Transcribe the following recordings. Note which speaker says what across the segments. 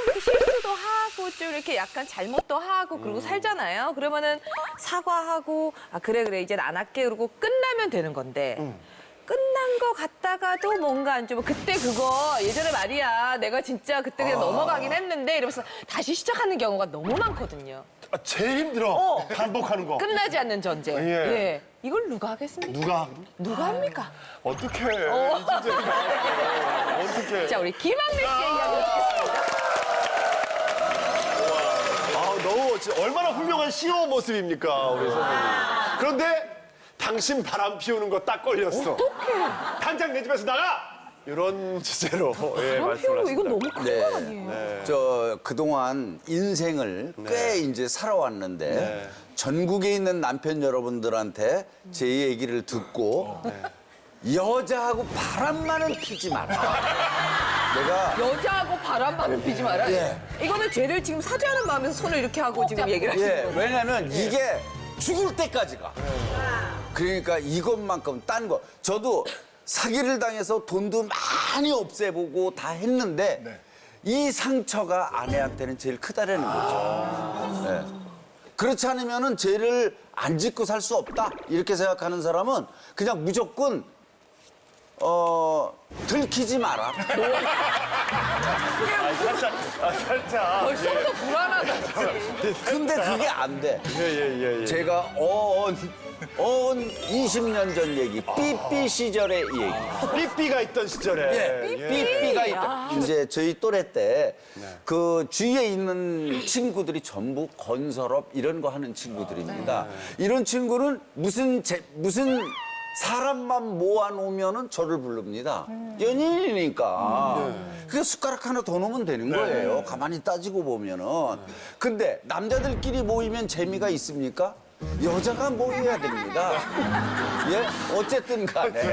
Speaker 1: 이렇게 실수도 하고 좀 이렇게 약간 잘못도 하고 그러고 살잖아요. 그러면은 사과하고 아 그래 이제 안 할게 그러고 끝나면 되는 건데 끝난 거 같다가도 뭔가 안 좋으면 그때 그거 예전에 말이야 내가 진짜 그때 그냥 넘어가긴 했는데 이러면서 다시 시작하는 경우가 너무 많거든요.
Speaker 2: 아, 제일 힘들어. 반복하는 거.
Speaker 1: 끝나지 않는 전쟁.
Speaker 2: 예.
Speaker 1: 예. 이걸 누가 하겠습니까? 누가 합니까?
Speaker 2: 어떡해. 진짜 어떡해.
Speaker 1: 자 우리 김학래 씨의 이야기 듣겠습니다.
Speaker 2: 아, 너무 진짜 얼마나 훌륭한 CEO 모습입니까, 우리 선생님. 그런데 당신 바람 피우는 거 딱 걸렸어.
Speaker 1: 어떡해.
Speaker 2: 당장 내 집에서 나가! 이런 주제로 예,
Speaker 1: 바람
Speaker 2: 말씀을
Speaker 1: 피우고 이건
Speaker 2: 하십니다.
Speaker 1: 너무 큰
Speaker 3: 네.
Speaker 1: 거 아니에요?
Speaker 3: 저 그동안 인생을 꽤 이제 살아왔는데
Speaker 2: 네.
Speaker 3: 전국에 있는 남편 여러분들한테 제 얘기를 듣고 여자하고 바람만은 피지 마라. 내가
Speaker 1: 여자하고 바람만은 피지 마라.
Speaker 3: 예.
Speaker 1: 이거는 죄를 지금 사죄하는 마음에서 손을 이렇게 하고 지금 얘기를 하시는
Speaker 3: 예,
Speaker 1: 거예요.
Speaker 3: 왜냐면 이게 죽을 때까지 가. 그러니까 이것만큼 딴 거. 저도 사기를 당해서 돈도 많이 없애보고 다 했는데 이 상처가 아내한테는 제일 크다라는 거죠. 예. 그렇지 않으면은 죄를 안 짓고 살 수 없다 이렇게 생각하는 사람은 그냥 무조건 들키지 마라.
Speaker 2: 살짝.
Speaker 1: 벌써부터 불안하다.
Speaker 3: 근데 그게 안 돼.
Speaker 2: 예.
Speaker 3: 제가 20년 전 얘기, 삐삐 시절의 얘기.
Speaker 2: 삐삐가 있던 시절에.
Speaker 3: 예, 삐삐가 있다. 이제 저희 또래 때 그 주위에 있는 친구들이 전부 건설업 이런 거 하는 친구들입니다. 이런 친구는 무슨 사람만 모아놓으면은 저를 부릅니다. 연인이니까. 그게 숟가락 하나 더 놓으면 되는 거예요. 가만히 따지고 보면은. 근데 남자들끼리 모이면 재미가 있습니까? 여자가 모여야 됩니다. 예? 어쨌든 간에.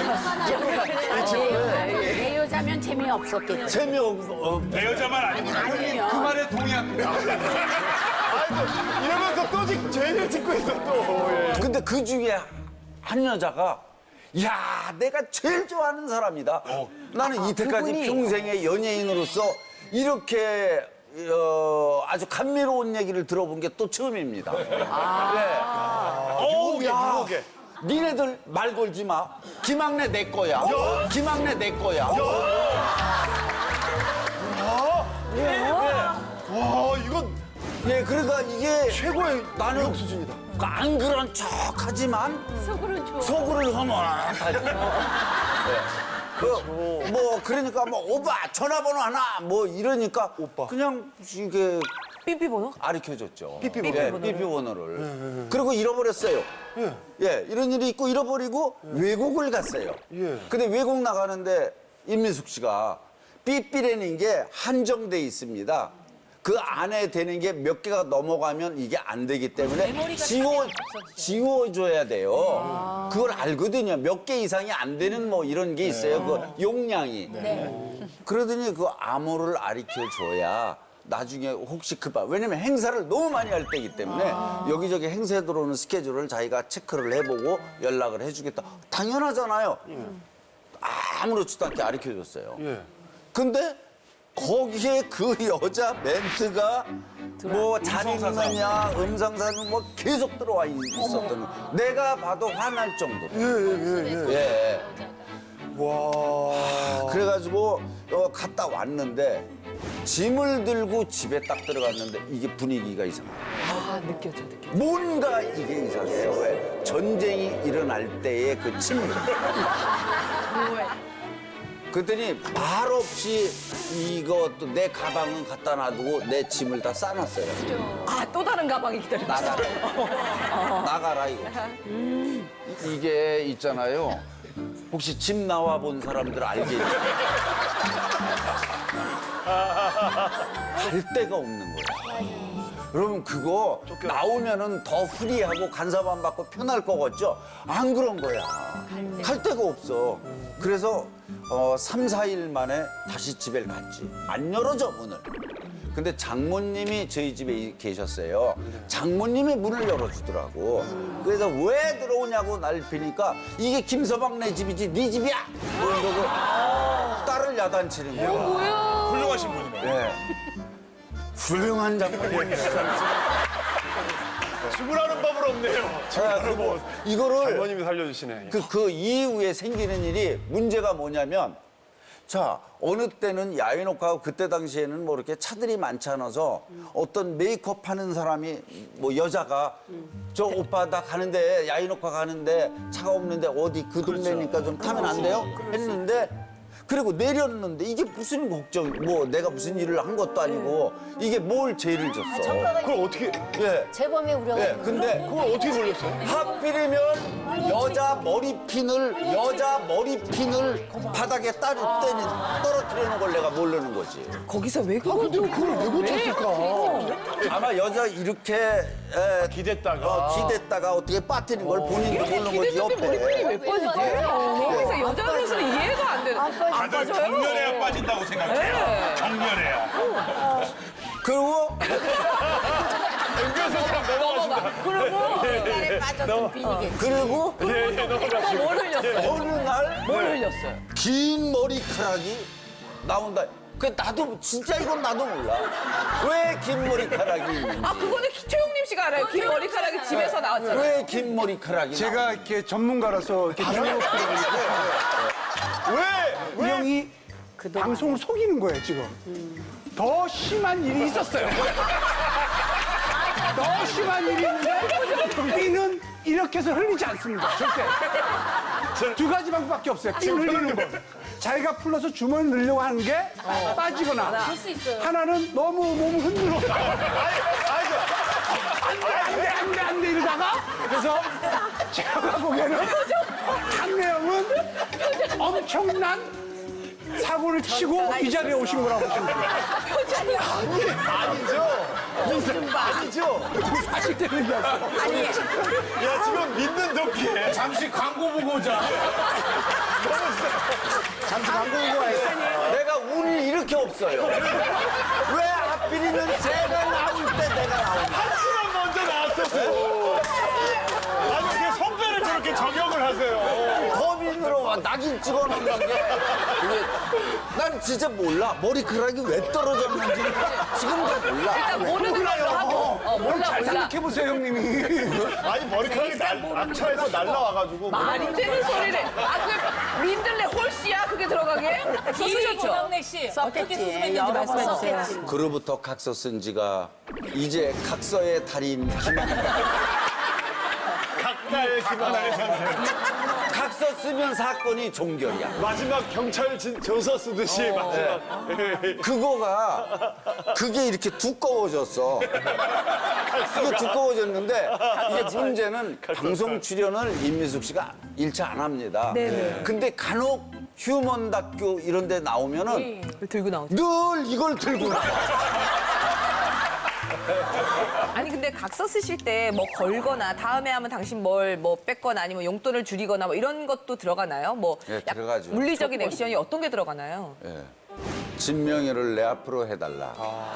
Speaker 4: 내 여자면 재미없었겠지.
Speaker 2: 내 여자만 아니면
Speaker 4: 아니면
Speaker 5: 그 말에 동의합니다.
Speaker 2: 이러면서 또 죄를 짓고 있어 또. 예.
Speaker 3: 근데 그 중에 한 여자가 야 내가 제일 좋아하는 사람이다. 나는 이때까지
Speaker 1: 그분이.
Speaker 3: 평생의 연예인으로서 이렇게 아주 감미로운 얘기를 들어본 게 또 처음입니다.
Speaker 2: 어우,
Speaker 3: 야.
Speaker 2: 유혹에.
Speaker 3: 니네들 말 걸지 마. 김학래 내 거야. 김학래 내 거야.
Speaker 2: 와, 이건
Speaker 3: 예, 그러니까 이게
Speaker 2: 최고의
Speaker 3: 나는
Speaker 2: 유혹 수준이다.
Speaker 3: 안 그런 척하지만
Speaker 4: 속으로는 좋아.
Speaker 3: 속으로 허물하지. 뭐 그러니까 뭐 오빠 전화번호 하나 뭐 이러니까
Speaker 2: 오빠.
Speaker 3: 그냥 이게
Speaker 1: 삐삐 번호?
Speaker 3: 가르쳐줬죠.
Speaker 2: 삐삐
Speaker 3: 예,
Speaker 2: 번호를.
Speaker 3: 삐삐 번호를. 그리고 잃어버렸어요. 예, 이런 일이 있고 잃어버리고 외국을 갔어요.
Speaker 2: 예.
Speaker 3: 근데 외국 나가는데 임민숙 씨가 삐삐라는 게 한정돼 있습니다. 그 안에 되는 게 몇 개가 넘어가면 이게 안 되기 때문에 지워줘야 돼요. 그걸 알거든요. 몇 개 이상이 안 되는 뭐 이런 게 있어요. 그 용량이. 그러더니 그 암호를 가르쳐줘야 나중에 혹시 왜냐면 행사를 너무 많이 할 때이기 때문에 여기저기 행사에 들어오는 스케줄을 자기가 체크를 해보고 연락을 해주겠다. 당연하잖아요. 아무렇지도 않게 가르쳐줬어요. 근데 거기에 그 여자 멘트가 뭐 잘 읽느냐 음성사는 뭐 계속 들어와 있었던 내가 봐도 화날 정도로. 예.
Speaker 2: 와.
Speaker 3: 그래가지고 갔다 왔는데 짐을 들고 집에 딱 들어갔는데 이게 분위기가 이상해요.
Speaker 1: 아 느껴져.
Speaker 3: 뭔가 이게 이상해요. 왜? 전쟁이 일어날 때의 그 침묵. 그랬더니 말 없이 이것도 내 가방은 갖다 놔두고 내 짐을 다 싸놨어요.
Speaker 1: 아 또 다른 가방이 기다리고 있어.
Speaker 3: 나가라. 나가라 이거. 이게 있잖아요. 혹시 집 나와 본 사람들 알겠죠? 갈 데가 없는 거예요. 그러면 그거 나오면은 더 프리하고 간섭 안 받고 편할 거겠죠? 안 그런 거야. 갈 데가 없어. 그래서 3, 4일 만에 다시 집에 갔지. 안 열어줘, 문을. 근데 장모님이 저희 집에 계셨어요. 장모님이 문을 열어주더라고. 그래서 왜 들어오냐고 날 비니까 이게 김서방 네 집이지 네 집이야! 뭐 이러고 딸을 야단치는 거야.
Speaker 5: 훌륭하신 분이네.
Speaker 3: 예. 훌륭한 장모님이시잖아요.
Speaker 2: 죽으라는 법은 없네요. 죽으라는 법.
Speaker 3: 이거를
Speaker 2: 장모님이 살려주시네.
Speaker 3: 그 이후에 생기는 일이 문제가 뭐냐면 자 어느 때는 야외녹화하고 그때 당시에는 뭐 이렇게 차들이 많지 않아서 어떤 메이크업 하는 사람이 뭐 여자가 저 오빠 나 가는데 야외녹화 가는데 차가 없는데 어디 그 동네니까 좀 타면 안 돼요? 했는데 그리고 내렸는데 이게 무슨 걱정 뭐 내가 무슨 일을 한 것도 아니고 이게 뭘 죄를 졌어.
Speaker 2: 그걸 어떻게,
Speaker 3: 예.
Speaker 4: 재범의 우려가
Speaker 3: 예. 근데
Speaker 2: 그걸 어떻게 걸렸어요?
Speaker 3: 하필이면 여자 머리핀을 바닥에 떨어뜨려 놓은 걸 내가 모르는 거지.
Speaker 1: 거기서 왜 그걸
Speaker 2: 근데 그걸 왜 고쳤을까?
Speaker 3: 아마 여자 이렇게 기댔다가 어떻게 빠뜨린 걸 본인도 모르는 거지
Speaker 1: 기대는데 머리핀이
Speaker 3: 옆에.
Speaker 1: 왜 빠지지? 거기서 여자로서는 이해가 안 되는. 안
Speaker 5: 다들
Speaker 1: 빠져요?
Speaker 5: 경련해야 빠진다고 생각해요.
Speaker 1: 네.
Speaker 5: 경련해야.
Speaker 3: 그리고
Speaker 4: 물에 빠졌던 비니게.
Speaker 3: 그리고
Speaker 1: 뭘 흘렸어요?
Speaker 3: 어느 날
Speaker 1: 뭘 흘렸어요?
Speaker 3: 긴 머리카락이 나온다. 그 나도 진짜 이건 나도 몰라. 왜 긴 머리카락이 있는지.
Speaker 1: 아 그거는 최용림 씨가 알아요. 긴 머리카락이 집에서 나왔잖아요.
Speaker 3: 왜 긴 머리카락이
Speaker 6: 제가 이렇게 전문가라서 이렇게 이 형이 방송을 속이는 거예요 지금. 더 심한 일이 있었어요. 더 심한 일이 있는데 피는 이렇게 해서 흘리지 않습니다. 절대. 두 가지 방법밖에 없어요. 피 흘리는 거. 자기가 풀러서 주머니 넣으려고 하는 게 빠지거나 하나는 너무 몸을 흔들어. 안 돼 이러다가 그래서 제가 보기에는 강래영은 엄청난 사고를 치고 이 자리에 오신 거라고 보시면 돼요.
Speaker 2: 아니죠.
Speaker 6: 사실대로 얘기하세요.
Speaker 2: 야, 지금 믿는 덕기에.
Speaker 5: 잠시 광고 보고 오자.
Speaker 3: 잠시 광고 보고 와요. 내가 운이 이렇게 없어요. 왜 하필이면 제가 나올 때 내가 나오냐.
Speaker 2: 한시간 먼저 나왔었어요. 아니, 어떻게 선배를 저렇게 저격을 하세요?
Speaker 3: 범인으로 낙인 찍어놓는 게 이게 난 진짜 몰라. 머리카락이 왜 떨어졌는지 지금도 몰라.
Speaker 1: 일단 모르는 걸로 하고. 몰라
Speaker 6: 잘
Speaker 1: 몰라.
Speaker 6: 생각해보세요 형님이.
Speaker 2: 아니, 머리카락이 낙차해서 날라와가지고.
Speaker 1: 말이 되는 소리를. 아 그게 민들레 홀씨야 그게 들어가게? 썼으셨죠?
Speaker 7: 김영래 씨 어떻게 수습했는지 말씀해 주세요.
Speaker 3: 그로부터 각서 쓴 지가 이제 각서의 달인 김한나.
Speaker 2: 각가의 김하나의 선생.
Speaker 3: 각서 쓰면 사건이 종결이야.
Speaker 2: 마지막 경찰 조서 쓰듯이 마지막.
Speaker 3: 그게 이렇게 두꺼워졌어. 그게 두꺼워졌는데 이게 문제는 방송 출연을 임미숙 씨가 일체 안 합니다. 근데 간혹 휴먼 다큐 이런 데 나오면은
Speaker 1: 들고 나오죠.
Speaker 3: 늘 이걸 들고 나와.
Speaker 1: 아니 근데 각서 쓰실 때 뭐 걸거나 다음에 하면 당신 뭘 뭐 뺏거나 아니면 용돈을 줄이거나 뭐 이런 것도 들어가나요? 뭐
Speaker 3: 예,
Speaker 1: 약-
Speaker 3: 들어가죠.
Speaker 1: 물리적인 액션이 어떤 게 들어가나요?
Speaker 3: 진명이를 내 앞으로 해달라.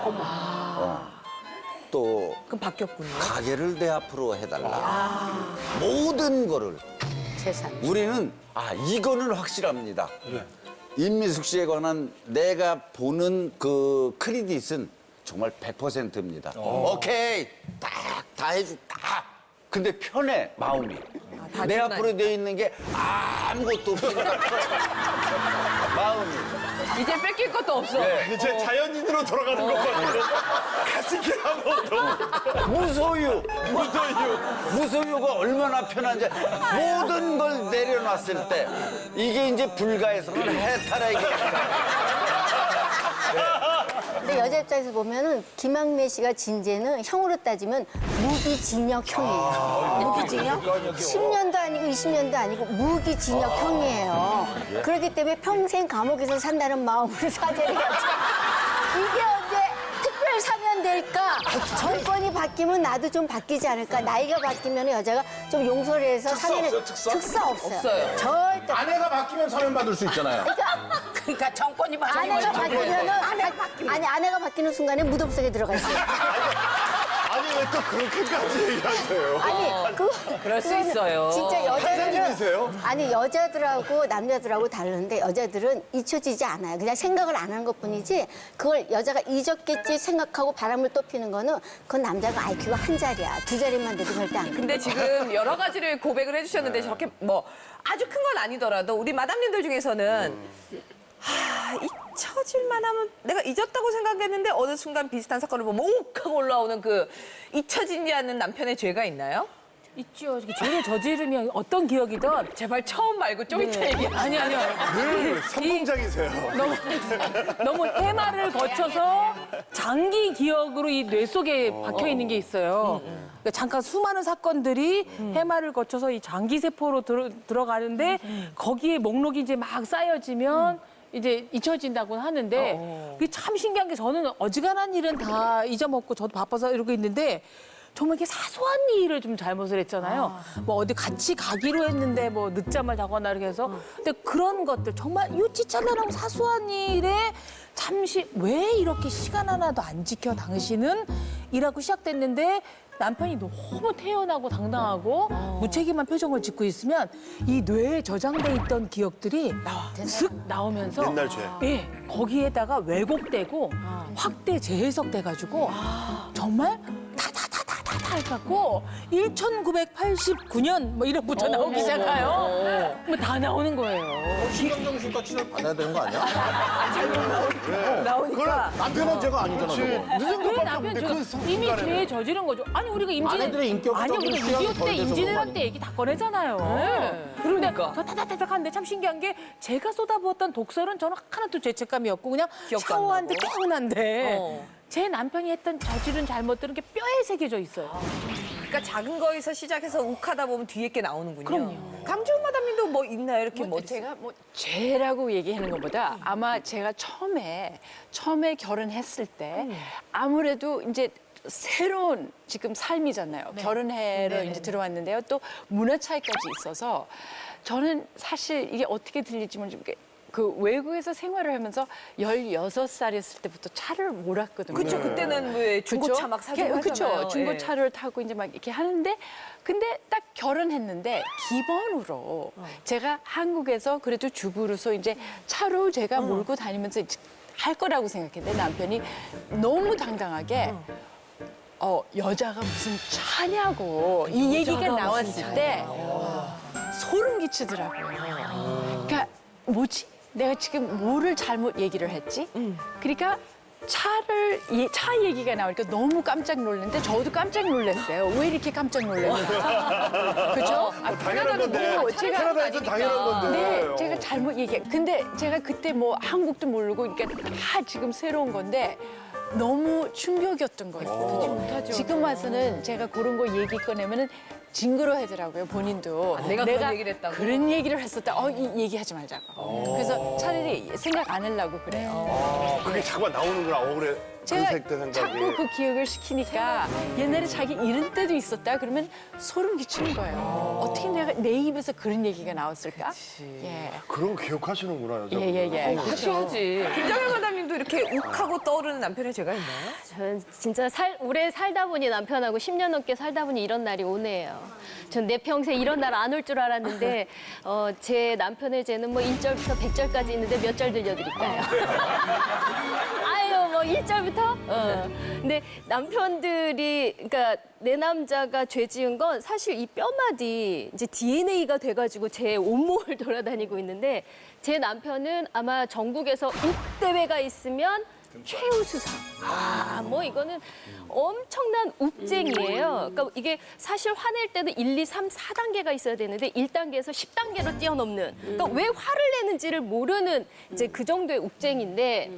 Speaker 3: 또
Speaker 1: 그럼 바뀌었군요.
Speaker 3: 가게를 내 앞으로 해달라. 모든 거를
Speaker 4: 재산.
Speaker 3: 우리는 이거는 확실합니다. 임미숙 씨에 관한 내가 보는 그 크레딧은 정말 100%입니다. 오케이, 다 해줄다. 근데 편해 마음이.
Speaker 1: 다
Speaker 3: 내
Speaker 1: 주나요?
Speaker 3: 앞으로 돼 있는 게 아무것도 없으니까 마음이.
Speaker 1: 이제 뺏길 것도 없어.
Speaker 2: 이제 자연인으로 돌아가는 것 같아요. 가진 게 아무것도.
Speaker 3: 무소유.
Speaker 2: 무소유.
Speaker 3: 무소유가 얼마나 편한지 모든 걸 내려놨을 때 이게 이제 불가에서는 해탈하기.
Speaker 8: 근데 여자 입장에서 보면은 김학래 씨가 진재는 형으로 따지면 무기징역형이에요. 무기징역? 10년도 아니고 20년도 아니고 무기징역형이에요. 그렇기 때문에 평생 감옥에서 산다는 마음으로 사죄를 하죠. 이게 언제 특별 사면 될까? 정권이 바뀌면 나도 좀 바뀌지 않을까? 나이가 바뀌면 여자가 좀 용서를 해서 사면을 특사 없어요.
Speaker 1: 없어요.
Speaker 8: 절대.
Speaker 5: 아내가 바뀌면 사면 받을 수 있잖아요.
Speaker 4: 그러니까 정권이
Speaker 8: 아내가 바뀌면은 아내가 바뀌는 순간에 무덤 속에 들어가 있어요.
Speaker 2: 아니, 왜 또 그렇게까지 얘기하세요?
Speaker 8: 아니,
Speaker 1: 그럴 수
Speaker 8: 그거는
Speaker 1: 있어요.
Speaker 8: 진짜 여자들은
Speaker 2: 판사님이세요?
Speaker 8: 아니 여자들하고 남자들하고 다른데 여자들은 잊혀지지 않아요. 그냥 생각을 안 하는 것뿐이지 그걸 여자가 잊었겠지 생각하고 바람을 또 피는 거는 그건 남자가 IQ가 한 자리야. 두 자리만 돼도 절대 안 돼.
Speaker 1: 근데 지금 여러 가지를 고백을 해주셨는데 저렇게 뭐 아주 큰 건 아니더라도 우리 마담님들 중에서는 잊혀질만 하면 내가 잊었다고 생각했는데 어느 순간 비슷한 사건을 보면 옥 하고 올라오는 그 잊혀지지 않는 남편의 죄가 있나요?
Speaker 7: 있죠. 죄를 저지르면 어떤 기억이든
Speaker 1: 제발 처음 말고 좀 이따 얘기.
Speaker 7: 아니요.
Speaker 2: 늘 선봉장이세요.
Speaker 7: 너무 해마를 거쳐서 장기 기억으로 이 뇌 속에 박혀 있는 게 있어요. 그러니까 잠깐 수많은 사건들이 해마를 거쳐서 이 장기 세포로 들어가는데 거기에 목록이 이제 막 쌓여지면 이제 잊혀진다고 하는데 그게 참 신기한 게 저는 어지간한 일은 다 잊어먹고 저도 바빠서 이러고 있는데 정말 이렇게 사소한 일을 좀 잘못을 했잖아요. 뭐 어디 같이 가기로 했는데 뭐 늦잠을 자거나 이렇게 해서. 근데 그런 것들 정말 유치찬란하고 사소한 일에 잠시 왜 이렇게 시간 하나도 안 지켜 당신은? 이라고 시작됐는데 남편이 너무 태연하고 당당하고 무책임한 표정을 짓고 있으면 이 뇌에 저장돼 있던 기억들이 슥 나오면서
Speaker 2: 옛날 죄.
Speaker 7: 예, 거기에다가 왜곡되고 확대 재해석돼가지고 정말 다다다다다 해갖고 1989년 뭐 이런부터 나오기 시작해요. 뭐 다 나오는 거예요.
Speaker 5: 신경정신과 치료 받아야 되는 거 아니야?
Speaker 1: 나오니까.
Speaker 5: 남편은 죄가 아니잖아, 저거.
Speaker 2: 늦은
Speaker 7: 왜
Speaker 2: 것밖에
Speaker 7: 남편
Speaker 2: 없는데
Speaker 7: 이미 죄에 저지른 거죠. 아니 우리가
Speaker 5: 아내들의 인격적인
Speaker 7: 아니 우리가
Speaker 5: 수양이
Speaker 7: 6.25
Speaker 5: 덜
Speaker 7: 때
Speaker 5: 돼서
Speaker 7: 임진왜란
Speaker 5: 그런 거
Speaker 7: 때 얘기 다 꺼내잖아요.
Speaker 1: 그러니까.
Speaker 7: 저 타닥타닥 하는데 참 신기한 게 제가 쏟아부었던 독설은 저는 하나도 죄책감이 없고 그냥
Speaker 1: 기억도 안
Speaker 7: 샤워하는데
Speaker 1: 나고.
Speaker 7: 깨어난데 제 남편이 했던 저지른 잘못들은 게 뼈에 새겨져 있어요.
Speaker 1: 그러니까 작은 거에서 시작해서 욱하다 보면 뒤에 게 나오는군요.
Speaker 7: 그럼요.
Speaker 1: 강주원 마담님도 뭐 있나요? 이렇게 뭐
Speaker 9: 제가 뭐 죄라고 얘기하는 것보다 아마 제가 처음에 결혼했을 때 아무래도 이제 새로운 지금 삶이잖아요. 결혼해로 이제 들어왔는데요. 또 문화 차이까지 있어서 저는 사실 이게 어떻게 들릴지 모르겠는데 그 외국에서 생활을 하면서 16살이었을 때부터 차를 몰았거든요.
Speaker 1: 그렇죠. 그때는 왜 중고차 막 사고 하잖아요.
Speaker 9: 그렇죠. 중고차를 타고 이제 막 이렇게 하는데 근데 딱 결혼했는데 기본으로 제가 한국에서 그래도 주부로서 이제 차로 제가 몰고 다니면서 할 거라고 생각했는데 남편이 너무 당당하게 여자가 무슨 차냐고 이 얘기가 나왔을 때 소름 끼치더라고요. 그러니까 뭐지? 내가 지금 뭐를 잘못 얘기를 했지? 그러니까 차 얘기가 나오니까 너무 깜짝 놀랐는데 저도 깜짝 놀랐어요. 왜 이렇게 깜짝 놀랐는지. 그죠?
Speaker 2: 당연한 건데. 캐나다에서 당연한 건데.
Speaker 9: 네, 제가 잘못 얘기해. 근데 제가 그때 뭐 한국도 모르고 그러니까 다 지금 새로운 건데 너무 충격이었던 거예요. 지금 와서는 제가 그런 거 얘기 꺼내면은 징그러하더라고요, 본인도.
Speaker 1: 내가 그런 얘기를 했다고?
Speaker 9: 그런 얘기를 했었다. 이 얘기하지 말자고. 그래서 차라리 생각 안 하려고 그래요.
Speaker 2: 그게 자꾸만 나오는구나, 억울해.
Speaker 9: 제가
Speaker 2: 그 생각이.
Speaker 9: 자꾸 그 기억을 시키니까 옛날에 자기 이런 때도 있었다 그러면 소름 끼치는 거예요. 어떻게 내가 내 입에서 그런 얘기가 나왔을까? 예.
Speaker 2: 그런 거 기억하시는구나, 여자.
Speaker 9: 예.
Speaker 1: 같이 하지. 김정현 마담님도 이렇게 욱하고 떠오르는 남편의 죄가 있나요?
Speaker 10: 저는 진짜 오래 살다 보니 남편하고 10년 넘게 살다 보니 이런 날이 오네요. 전 내 평생 이런 날 안 올 줄 알았는데 제 남편의 죄는 뭐 1절부터 100절까지 있는데 몇 절 들려드릴까요? 아유 뭐 1절부터? 근데 남편들이 그러니까 내 남자가 죄 지은 건 사실 이 뼈마디 이제 DNA가 돼가지고 제 온몸을 돌아다니고 있는데 제 남편은 아마 전국에서 욱대회가 있으면 최우수상. 뭐 이거는 엄청난 욱쟁이에요. 그러니까 이게 사실 화낼 때는 1, 2, 3, 4단계가 있어야 되는데 1단계에서 10단계로 뛰어넘는. 그러니까 왜 화를 내는지를 모르는 이제 그 정도의 욱쟁이인데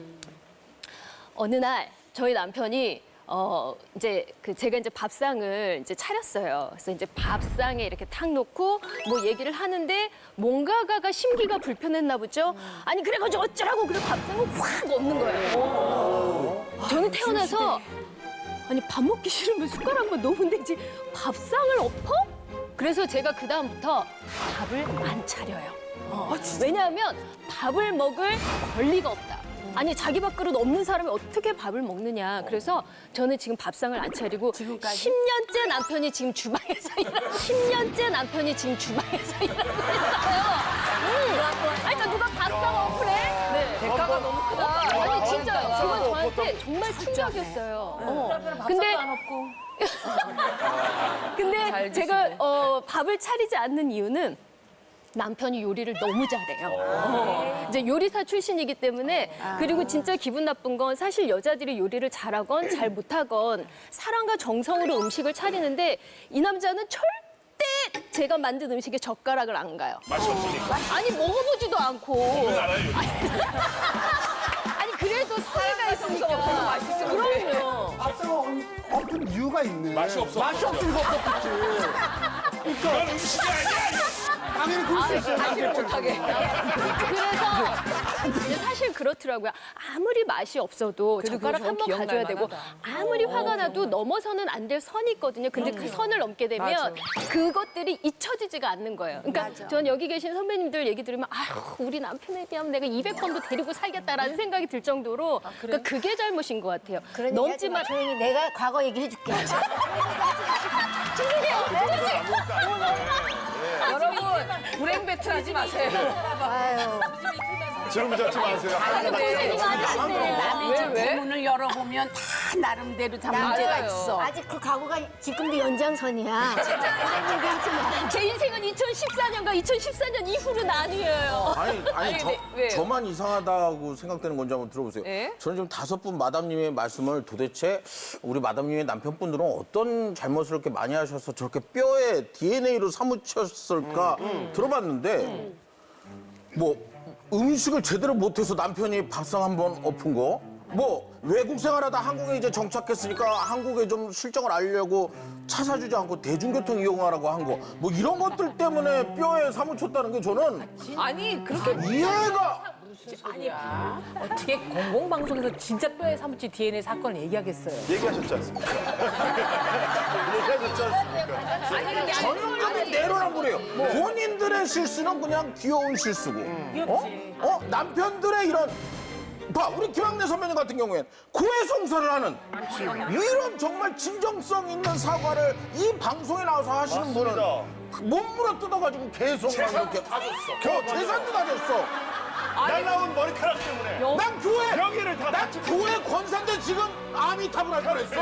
Speaker 10: 어느 날 저희 남편이 이제 제가 이제 밥상을 이제 차렸어요. 그래서 이제 밥상에 이렇게 탁 놓고 뭐 얘기를 하는데 뭔가가 심기가 불편했나 보죠. 아니 그래가지고 어쩌라고 그래 밥상을 확 엎는 거예요. 저는 태어나서 아니 밥 먹기 싫으면 숟가락만 놓으면 되지 밥상을 엎어? 그래서 제가 그 다음부터 밥을 안 차려요. 왜냐하면 밥을 먹을 권리가 없다. 아니 자기 밥그릇 없는 사람이 어떻게 밥을 먹느냐. 그래서 저는 지금 밥상을 안 차리고 10년째 남편이 지금 주방에서 10년째 남편이 지금 주방에서 일하고 있어요. 아니 그러니까 누가 밥상 어플해? 네.
Speaker 1: 대가가 너무 크다.
Speaker 10: 아니 진짜요. 그건 저한테 정말 충격이었어요. 근데
Speaker 7: 안 없고.
Speaker 10: 근데 제가 밥을 차리지 않는 이유는 남편이 요리를 너무 잘해요. 이제 요리사 출신이기 때문에 그리고 진짜 기분 나쁜 건 사실 여자들이 요리를 잘하건 잘 못하건 사랑과 정성으로 음식을 차리는데 이 남자는 절대 제가 만든 음식에 젓가락을 안 가요.
Speaker 11: 맛이 없으니까.
Speaker 10: 아니 먹어보지도 않고. 아니 그래도 성의가 있으니까.
Speaker 1: 맛있어.
Speaker 10: 그럼요.
Speaker 6: 밥상 엎은 이유가 있네.
Speaker 11: 맛이 없어.
Speaker 6: 맛이 없으니까 엎었겠지.
Speaker 11: 그건 음식이 아니야.
Speaker 6: 당연히 그럴 수 있어요.
Speaker 1: 사실을 못하게.
Speaker 10: 그래서 근데 사실 그렇더라고요. 아무리 맛이 없어도
Speaker 1: 그래도
Speaker 10: 젓가락
Speaker 1: 그거
Speaker 10: 한 번
Speaker 1: 기억날
Speaker 10: 가져야 되고
Speaker 1: 만하다.
Speaker 10: 아무리 화가 나도 넘어서는 안 될 선이 있거든요. 근데 그 선을 넘게 되면 그것들이 잊혀지지가 않는 거예요. 그러니까 전 여기 계신 선배님들 얘기 들으면 아휴 우리 남편에 비하면 내가 200번도 데리고 살겠다라는 생각이 들 정도로 그러니까 그게 잘못인 것 같아요. 넘지 마.
Speaker 8: 조용히 내가 과거 얘기해줄게.
Speaker 1: 여러분 불행 배틀하지 마세요.
Speaker 8: 아유.
Speaker 2: 주름 잡지 마세요.
Speaker 1: 근데
Speaker 4: 남의 집
Speaker 1: 왜?
Speaker 4: 문을 열어보면 다 나름대로 다 문제가
Speaker 1: 맞아요.
Speaker 4: 있어.
Speaker 8: 아직 그 과거가 지금도 연장선이야. 얘기하지 마.
Speaker 10: 제 인생은 2014년과 2014년 이후로 나뉘어요.
Speaker 1: 아니, 왜요?
Speaker 5: 저만 이상하다고 생각되는 건지 한번 들어보세요.
Speaker 1: 예?
Speaker 5: 저는 지금 5분 마담님의 말씀을 도대체 우리 마담님의 남편분들은 어떤 잘못을 이렇게 많이 하셔서 저렇게 뼈에 DNA로 사무쳤을까 들어봤는데 뭐 음식을 제대로 못해서 남편이 밥상 한번 엎은 거? 뭐 외국 생활하다 한국에 이제 정착했으니까 한국에 좀 실정을 알려고 차 사주지 않고 대중교통 이용하라고 한 거. 뭐 이런 것들 때문에 뼈에 사무쳤다는 게 저는
Speaker 1: 아니 그렇게
Speaker 5: 이해가
Speaker 7: 어떻게 공공방송에서 진짜 뼈에 사무친 DNA 사건을 얘기하겠어요.
Speaker 2: 얘기하셨지 않습니까? 얘기하셨지 않습니까?
Speaker 5: 전형적인 내로란 거래요. 본인들의 실수는 그냥 귀여운 실수고, 남편들의 이런 봐 우리 김학래 선배님 같은 경우엔 고해성사를 하는 이런 정말 진정성 있는 사과를 이 방송에 나와서 하시는 분은 몸물어 뜯어가지고 계속 막 이렇게 다 줬어. 재산도 다 줬어.
Speaker 2: 날라온 머리카락 때문에.
Speaker 5: 난 교회
Speaker 2: 명예를 다
Speaker 5: 난 교회 권사인데 지금 아미탑을 할 뻔했어.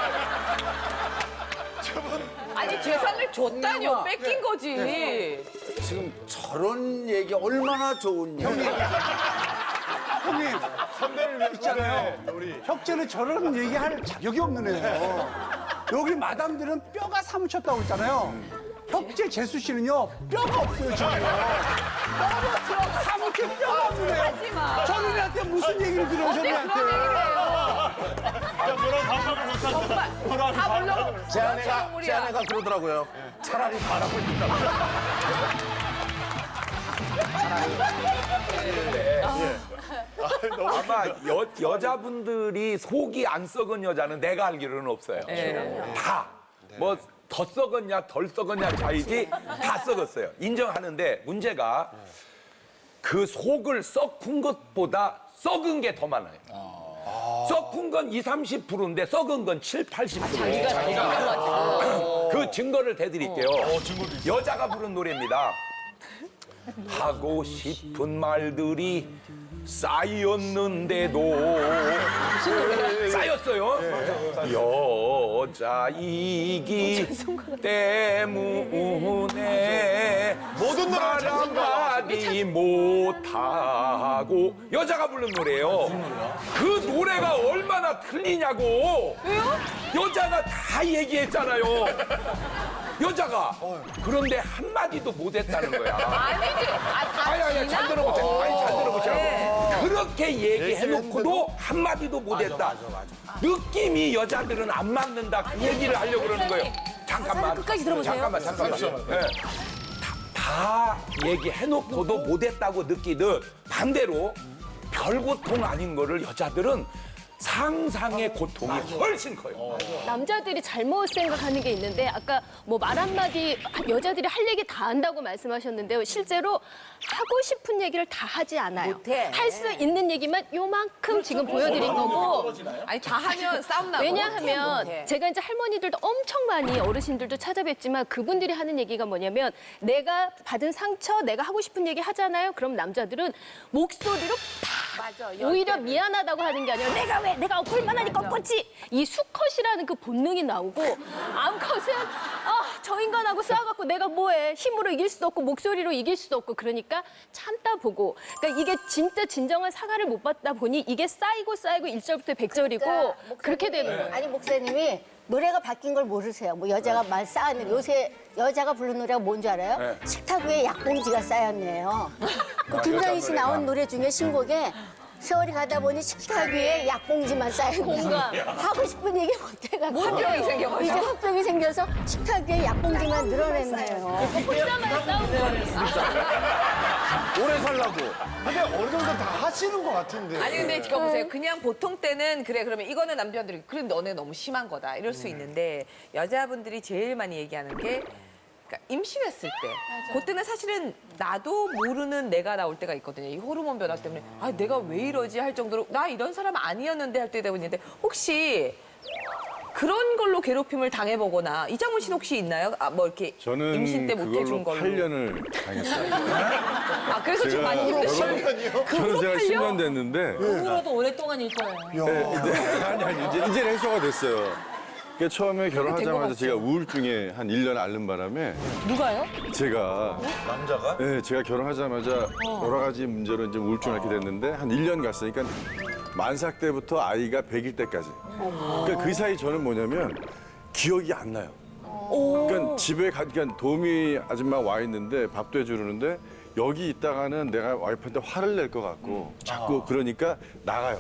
Speaker 1: 아니 재산을 줬다뇨 뺏긴 거지.
Speaker 3: 지금 저런 얘기 얼마나 좋은 얘기.
Speaker 6: 형님,
Speaker 2: 선배를 위한
Speaker 6: 있잖아요.
Speaker 2: 우리.
Speaker 6: 혁재는 저런 얘기할 자격이 없는 애예요. 여기 마담들은 뼈가 사무쳤다고 했잖아요. 혁재 재수 씨는요 뼈가 없어요 지금. 뼈가 사무칠 뼈가 없는 애요. 저놈한테 무슨 얘기를 들어요 저놈한테.
Speaker 2: 야, 너랑 반박을 못한다. 너랑
Speaker 1: 다 물론
Speaker 5: 제 아내가 그러더라고요. 차라리 바라고 있다고.
Speaker 11: 아마 여자분들이 속이 안 썩은 여자는 내가 알기로는 없어요. 다. 뭐 더 썩었냐 덜 썩었냐 차이지 다 썩었어요. 인정하는데 문제가 그 속을 썩은 것보다 썩은 게 더 많아요. 썩은 건 20, 30%인데 썩은 건 7, 80%예요. 그 증거를 대드릴게요. 여자가 부른 노래입니다. 하고 싶은 말들이 쌓였는데도 쌓였어요. 여자이기 때문에
Speaker 2: 모든 노래를
Speaker 11: 말한마디 못하고 여자가 부른 노래예요. 그 노래가 얼마나 틀리냐고. 왜요? 여자가 다 얘기했잖아요. 여자가 그런데 한마디도 못했다는 거야.
Speaker 1: 아니지.
Speaker 11: 아니, 잘 들어보세요. 아니, 잘 들어보세요. 그렇게 얘기해놓고도 한마디도 못했다. 느낌이 여자들은 안 맞는다. 그 얘기를 하려고 그러는 거예요. 잠깐만.
Speaker 7: 끝까지 들어보세요.
Speaker 11: 잠깐만. 네. 다 얘기해놓고도 못했다고 느끼듯 반대로 별 고통 아닌 거를 여자들은 상상의 고통이 훨씬 커요.
Speaker 10: 남자들이 잘못 생각하는 게 있는데 아까 뭐 말 한마디 여자들이 할 얘기 다 한다고 말씀하셨는데요. 실제로 하고 싶은 얘기를 다 하지 않아요. 할 수 있는 얘기만 요만큼 지금 보여드린 거고.
Speaker 1: 아니 다 하면 싸움 나고.
Speaker 10: 왜냐하면 제가 이제 할머니들도 엄청 많이 어르신들도 찾아뵙지만 그분들이 하는 얘기가 뭐냐면 내가 받은 상처, 내가 하고 싶은 얘기 하잖아요. 그럼 남자들은 목소리로 오히려 미안하다고 하는 게 아니라 내가 엎을만 하니까 엎었지. 이 수컷이라는 그 본능이 나오고 암컷은 저 인간하고 싸워갖고 내가 뭐해. 힘으로 이길 수도 없고 목소리로 이길 수도 없고 그러니까 참다 보고. 그러니까 이게 진짜 진정한 사과를 못 받다 보니 이게 쌓이고 1절부터 100절이고 그렇게 되는 거예요.
Speaker 8: 아니 목사님이 노래가 바뀐 걸 모르세요. 뭐 여자가 말 쌓는 요새 여자가 부르는 노래가 뭔지 알아요? 식탁 위에 약봉지가 쌓였네요. 그 김장희 씨 나온 노래 중에 신곡에 세월이 가다 보니 식탁 위에 약봉지만 쌓였네요. 하고 싶은 얘기 못 해가지고
Speaker 1: 화병이 생겨가지고.
Speaker 8: 이제 화병이 생겨서 식탁 위에 약봉지만 늘어냈네요.
Speaker 10: 혼자만 싸우는
Speaker 5: 오래 살라고.
Speaker 2: 근데 어느 정도 다 하시는 것 같은데.
Speaker 1: 아니 근데 지금 보세요. 그냥 보통 때는 그래 그러면 이거는 남편들이 그래 너네 너무 심한 거다 이럴 수 있는데 여자분들이 제일 많이 얘기하는 게 그러니까 임신했을 때 그때는 사실은 나도 모르는 내가 나올 때가 있거든요. 이 호르몬 변화 때문에 아 내가 왜 이러지 할 정도로 나 이런 사람 아니었는데 할 때가 있는데 혹시 그런 걸로 괴롭힘을 당해보거나 이장훈 씨는 혹시 있나요? 뭐 이렇게
Speaker 12: 저는
Speaker 1: 임신 때 못해준
Speaker 12: 그걸로
Speaker 1: 걸로.
Speaker 12: 8년을 당했어요.
Speaker 1: 아 그래서 좀 많이 힘드시죠?
Speaker 12: 저는 제가 10년 됐는데
Speaker 7: 그로도 오랫동안일 거예요.
Speaker 12: 아니 이제 해소가 됐어요. 그러니까 처음에 결혼하자마자 제가 우울증에 한 1년 앓는 바람에
Speaker 7: 누가요?
Speaker 12: 제가
Speaker 3: 남자가?
Speaker 12: 네, 제가 결혼하자마자 여러 가지 문제로 이제 우울증을 앓게 됐는데 한 1년 갔으니까 만삭 때부터 아이가 100일 때까지. 그러니까 그 사이 저는 뭐냐면 기억이 안 나요. 그러니까 집에 그러니까 도우미 아줌마 와 있는데 밥도 해주는데 여기 있다가는 내가 와이프한테 화를 낼 것 같고 자꾸 그러니까 나가요.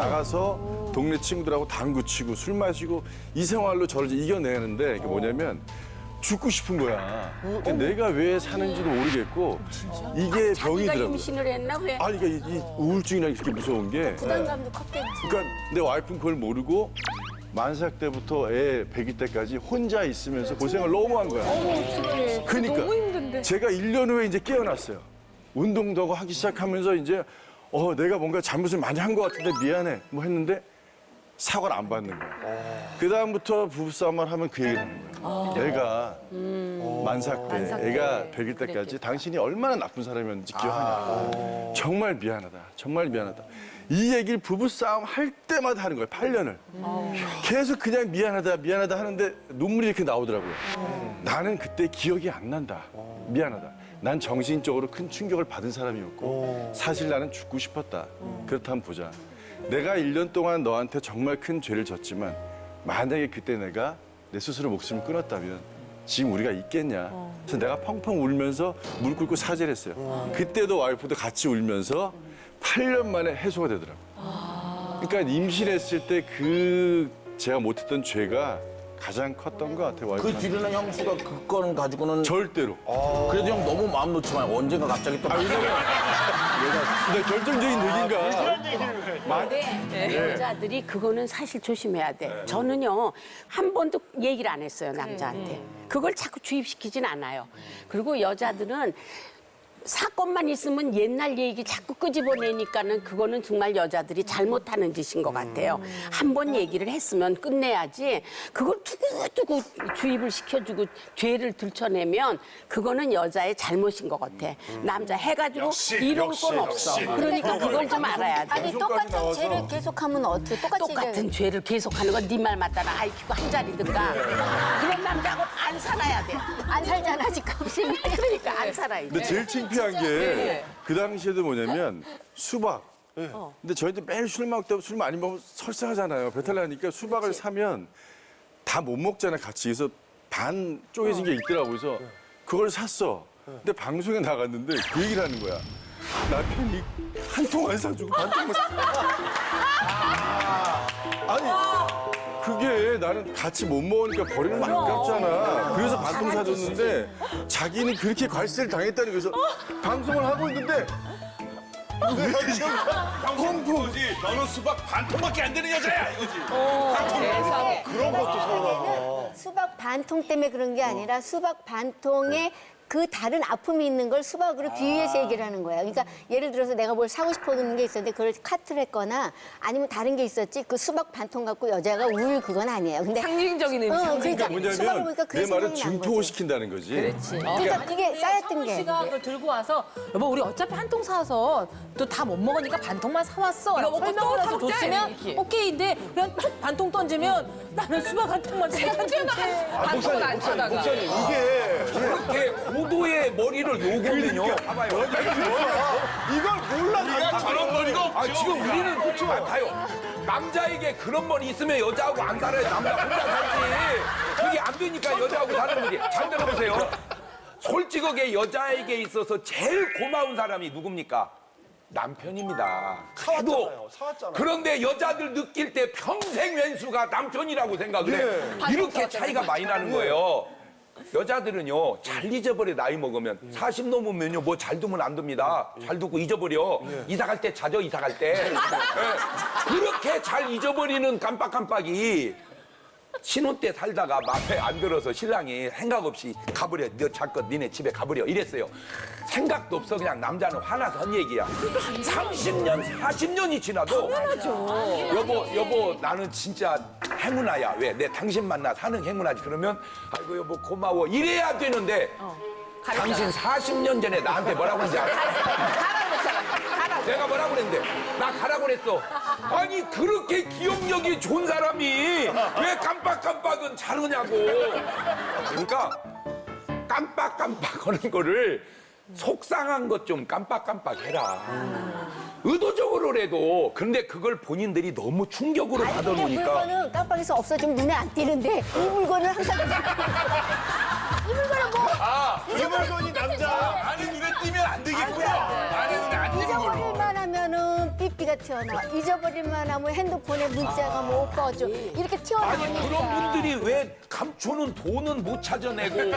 Speaker 12: 나가서 동네 친구들하고 당구 치고 술 마시고 이 생활로 저를 이제 이겨내는데 이게 뭐냐면 죽고 싶은 거야. 근데 내가 왜 사는지도 모르겠고 이게 병이더라고요.
Speaker 4: 임신을 했나 왜?
Speaker 12: 아니 그러니까 이 우울증이라는 게 그렇게 무서운 게
Speaker 8: 부담감도 컸겠지.
Speaker 12: 그러니까 내 와이프는 그걸 모르고 만삭 때부터 애 100일 때까지 혼자 있으면서 고생을 너무 한 거야. 그러니까
Speaker 1: 너무 힘든데.
Speaker 12: 제가 1년 후에 이제 깨어났어요. 운동도 하고 하기 시작하면서 이제 내가 뭔가 잘못을 많이 한 것 같은데 미안해 뭐 했는데 사과를 안 받는 거야. 그 다음부터 부부싸움을 하면 그 얘기를 하는 거야. 내가 만삭 때 애가 100일 때까지 당신이 얼마나 나쁜 사람이었는지 기억하냐. 정말 미안하다. 정말 미안하다. 이 얘기를 부부싸움 할 때마다 하는 거예요. 8년을. 계속 그냥 미안하다 미안하다 하는데 눈물이 이렇게 나오더라고요. 나는 그때 기억이 안 난다. 미안하다. 난 정신적으로 큰 충격을 받은 사람이었고 사실 나는 죽고 싶었다. 그렇다면 보자. 내가 1년 동안 너한테 정말 큰 죄를 졌지만 만약에 그때 내가 내 스스로 목숨을 끊었다면 지금 우리가 있겠냐. 그래서 내가 펑펑 울면서 무릎 꿇고 사죄를 했어요. 그때도 와이프도 같이 울면서 8년 만에 해소가 되더라고요. 그러니까 임신했을 때 제가 못했던 죄가 가장 컸던 것 같아요.
Speaker 5: 그
Speaker 12: 와이프한테.
Speaker 5: 뒤로는 형수가 그 건 가지고는
Speaker 12: 절대로.
Speaker 5: 그래도 형 너무 마음 놓지 마요. 언젠가 갑자기 또
Speaker 12: 근데 결정적인 얘기인가?
Speaker 4: 여자들이 그거는 사실 조심해야 돼. 저는요 한 번도 얘기를 안 했어요 남자한테. 그걸 자꾸 주입시키진 않아요. 그리고 여자들은 사건만 있으면 옛날 얘기 자꾸 끄집어내니까는 그거는 정말 여자들이 잘못하는 짓인 것 같아요. 한 번 얘기를 했으면 끝내야지 그걸 두고두고 주입을 시켜주고 죄를 들춰내면 그거는 여자의 잘못인 것 같아. 남자 해가지고 이런 건 없어. 그러니까 그걸 좀 알아야 돼.
Speaker 8: 아니 똑같은 죄를 계속하면 어떻게
Speaker 4: 똑같은 죄를 계속하는 건 네 말 맞다나 IQ가 한 자리든가 그런 남자하고 안 살아야 돼.
Speaker 8: 안 살잖아 지금.
Speaker 4: 그러니까 안 살아야
Speaker 12: 근데
Speaker 4: 돼.
Speaker 12: 제일 창피한 게 그 당시에도 뭐냐면 수박. 근데 저희도 매일 술 먹다 술 많이 먹으면 설사하잖아요. 배탈 나니까 수박을 사면 다 못 먹잖아요. 같이. 그래서 반 쪼개진 게 있더라고요. 그래서 그걸 샀어. 근데 방송에 나갔는데 그 얘기를 하는 거야. 남편이 한 통 안 사주고 반 통만 아니 그게 나는 같이 못 먹으니까 버리는 거 아깝잖아. 그래서 반 통 사줬는데 자기는 그렇게 괄세를 당했다니 그래서 방송을 하고 있는데
Speaker 11: 홈프지. 너는 수박 반통밖에 안 되는 여자야 이거지.
Speaker 2: 그런 것도 서운하고.
Speaker 8: 수박 반통 때문에 그런 게 아니라 수박 반통에 그 다른 아픔이 있는 걸 수박으로 비유해서 얘기를 하는 거야. 그러니까 예를 들어서 내가 뭘 사고 싶어하는 게 있었는데 그걸 카트를 했거나 아니면 다른 게 있었지 그 수박 반통 갖고 여자가 울 그건 아니에요. 근데
Speaker 1: 상징적인 의미.
Speaker 8: 그러니까 수박을 보니까 그
Speaker 12: 내 말은
Speaker 8: 생각이 난 거지.
Speaker 12: 증폭시킨다는 거지.
Speaker 8: 그러니까 그게 쌓였던
Speaker 7: 성훈
Speaker 8: 게.
Speaker 7: 씨가 그걸 들고 와서 여보 우리 어차피 한 통 사서 또 다 못 먹으니까 반통만 사왔어. 라고
Speaker 1: 먹고 또
Speaker 7: 설명을 해서
Speaker 1: 사먹자,
Speaker 7: 줬으면
Speaker 1: 이렇게.
Speaker 7: 오케이인데 그냥 쭉 반통 던지면 나는 수박 한 통만
Speaker 1: 문제는 반통은 안 사다가.
Speaker 2: 목사님 이게
Speaker 11: 그렇게 고도의 머리를 요구하면요. 봐봐요.
Speaker 2: 이걸 몰라.
Speaker 11: 저런 머리가 없죠. 아, 지금 우리는 그렇죠. 봐요. 남자에게 그런 머리 있으면 여자하고 안 살아요. 남자 혼자 살지. 그게 안 되니까 여자하고 사는 거지. 잘 들어보세요. 솔직하게 여자에게 있어서 제일 고마운 사람이 누굽니까? 남편입니다.
Speaker 2: 사왔잖아요. 사왔잖아요.
Speaker 11: 그런데 여자들 느낄 때 평생 왼수가 남편이라고 생각을 해. 이렇게 차이가 많이 나는 거예요. 여자들은요, 잘 잊어버려, 나이 먹으면. 40 넘으면요, 뭐 잘 두면 안 됩니다. 잘 두고 잊어버려. 이사 갈 때 자죠, 이사 갈 때. 예. 그렇게 잘 잊어버리는 깜빡깜빡이 신혼 때 살다가 마음에 안 들어서 신랑이 생각 없이 가버려. 너 잠깐 니네 집에 가버려. 이랬어요. 생각도 없어. 그냥 남자는 화나서 한 얘기야. 30년, 40년이 지나도. 여보, 나는 진짜 행운아야. 왜? 내 당신 만나 사는 행운아지. 그러면, 아이고, 여보, 고마워. 이래야 되는데, 당신 40년 전에 나한테 뭐라고 했는지 알아? 내가 뭐라고 그랬는데? 나 가라고 그랬어. 아니, 그렇게 기억력이 좋은 사람이 왜 깜빡깜빡은 잘하냐고. 그러니까 깜빡깜빡 하는 거를 속상한 것 좀 깜빡깜빡 해라. 의도적으로라도. 근데 그걸 본인들이 너무 충격으로
Speaker 8: 아니, 근데
Speaker 11: 받아놓으니까.
Speaker 8: 물건은 깜빡해서 없어지면 눈에 안 띄는데 이 물건은 항상 이 물건은 뭐
Speaker 2: 이 물건이 남자.
Speaker 11: 나는 눈에 띄면 안 되겠고요. 나는 눈에 안 띄는 걸로.
Speaker 8: 잊어버릴만 하면은 삐삐가 튀어나와. 잊어버릴만 하면 핸드폰에 문자가 뭐 오빠 어쩌 이렇게
Speaker 11: 아니
Speaker 8: 튀어나오니까.
Speaker 11: 그런 분들이 왜 감초는 돈은 못 찾아내고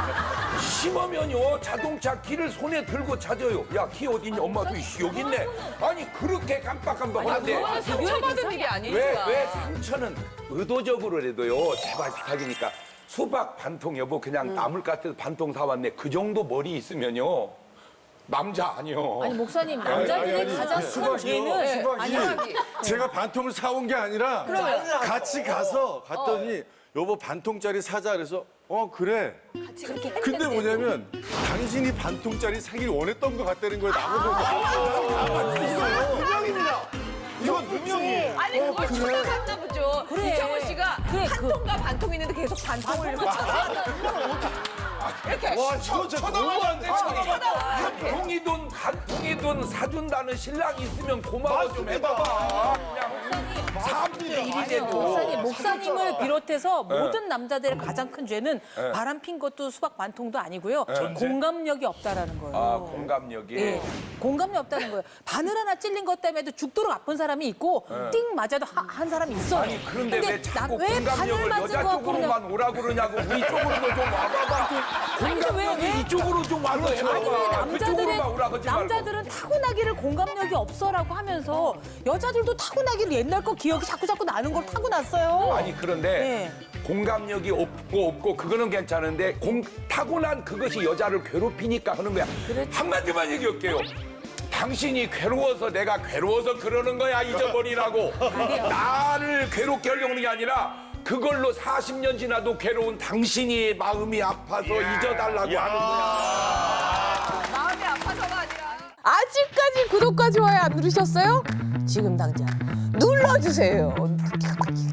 Speaker 11: 심하면요 자동차 키를 손에 들고 찾아요. 야 키 어딨냐? 엄마도 여기 있네. 아니 그렇게 깜빡깜빡 하는데
Speaker 1: 상처받은 일이 아니니까.
Speaker 11: 왜 상처는 의도적으로라도요 제발 부탁이니까 수박 반통 여보 그냥 나물 같아서 반통 사왔네. 그 정도 머리 있으면요 남자 아니요.
Speaker 7: 아니 목사님 남자들의 가장 큰 죄는
Speaker 12: 수박이 제가 반통을 사온 게 아니라 같이 가서 갔더니 여보 반통짜리 사자 그래서 그래. 근데 뭐냐면 당신이 반통짜리 사기를 원했던 것 같다는 거예요. 나보고
Speaker 2: 누명입니다. 이건 누명이에요.
Speaker 1: 아니 그걸 추적했나 보죠.
Speaker 7: 그래.
Speaker 1: 이창훈 씨가
Speaker 7: 그래,
Speaker 1: 한 통과 반통 있는데 계속 반통을 이렇게 쳐다봐. 이렇게
Speaker 2: 와, 저거 진짜 너무한데.
Speaker 1: 쳐다봐. 이렇게.
Speaker 11: 통이돈 반통이돈 사준다는 신랑이 있으면 고마워 좀 해봐봐. 그냥 사람들이 일이
Speaker 7: 아니요,
Speaker 11: 돼도.
Speaker 7: 목사님을 비롯해서 모든 남자들의 가장 큰 죄는 바람 핀 것도 수박 반통도 아니고요. 공감력이 없다라는 거예요.
Speaker 11: 아 공감력이.
Speaker 7: 예, 공감력 없다는 거예요. 바늘 하나 찔린 것 때문에도 죽도록 아픈 사람이 있고 띵 맞아도 한 사람이 있어요.
Speaker 11: 아니 그런데 왜 자꾸
Speaker 7: 왜 바늘
Speaker 11: 공감력을
Speaker 7: 맞은
Speaker 11: 여자
Speaker 7: 거 갖고 그냥
Speaker 11: 쪽으로만 오라 그러냐고 우리 쪽으로도 좀 와봐봐.
Speaker 7: 아니, 근데
Speaker 11: 공감력이 이쪽으로 좀 와서
Speaker 7: 아니 왜
Speaker 11: 해봐봐. 그쪽으로만 오라 그러지 말고.
Speaker 7: 남자들은 타고나기를 공감력이 없어라고 하면서 여자들도 타고나기를 옛날 거 기억이 자꾸 나는 걸 타고났어요.
Speaker 11: 아니 그런데 공감력이 없고 그거는 괜찮은데 타고난 그것이 여자를 괴롭히니까 하는 거야. 한마디만 얘기할게요. 당신이 괴로워서 내가 괴로워서 그러는 거야 잊어버리라고. 나를 괴롭게 하려고 하는 게 아니라 그걸로 40년 지나도 괴로운 당신이 마음이 아파서 잊어달라고 하는 거야.
Speaker 1: 마음이 아파서가 아니라.
Speaker 7: 아직까지 구독과 좋아요 안 누르셨어요? 지금 당장 눌러주세요.